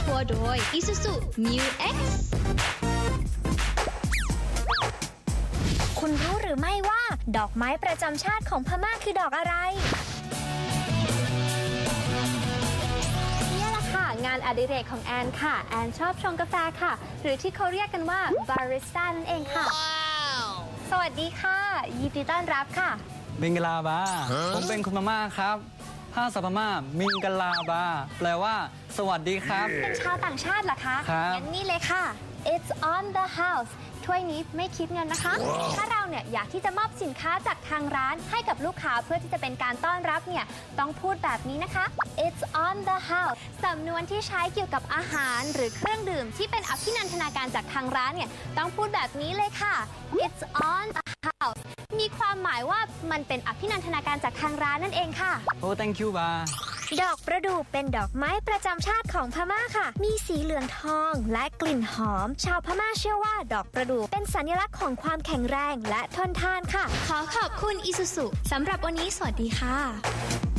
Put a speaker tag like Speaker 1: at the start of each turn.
Speaker 1: ทัวร์โดย Isuzu Mu X
Speaker 2: คุณรู้หรือไม่ว่าดอกไม้ประจำชาติของพม่าคือดอกอะไรเนี่ยแหละค่ะงานอดิเรกของแอนค่ะแอนชอบชงกาแฟค่ะหรือที่เขาเรียกกันว่าบาริสต้านั่นเองค่ะ สวัสดีค่ะยินดีต้อนรับค่ะ
Speaker 3: มิงกลาบา ผมเป็นคนพม่าครับภาษาพม่ามิงกลาบา แปลว่า สวัสดีครับ
Speaker 2: เป็นชาวต่างชาติเหรอคะ
Speaker 3: ครับ
Speaker 2: งั้นนี่เลยค่ะ It's on the house ถ้วยนี้ไม่คิดเงินนะคะ ถ้าเราเนี่ยอยากที่จะมอบสินค้าจากทางร้านให้กับลูกค้าเพื่อที่จะเป็นการต้อนรับเนี่ยต้องพูดแบบนี้นะคะ It's on the house สำนวนที่ใช้เกี่ยวกับอาหารหรือเครื่องดื่มที่เป็นอภินันทนาการจากทางร้านเนี่ยต้องพูดแบบนี้เลยค่ะ It's on the house มีความหมายว่ามันเป็นอภินันทนาการจากทางร้านนั่นเองค่ะ
Speaker 3: โอ้ thank you บา
Speaker 2: ดอกประดู่เป็นดอกไม้ประจำชาติของพม่าค่ะ มีสีเหลืองทองและกลิ่นหอม ชาวพม่าเชื่อว่าดอกประดู่เป็นสัญลักษณ์ของความแข็งแรงและทนทานค่ะ
Speaker 1: ขอขอบคุณ Isuzu สำหรับวันนี้สวัสดีค่ะ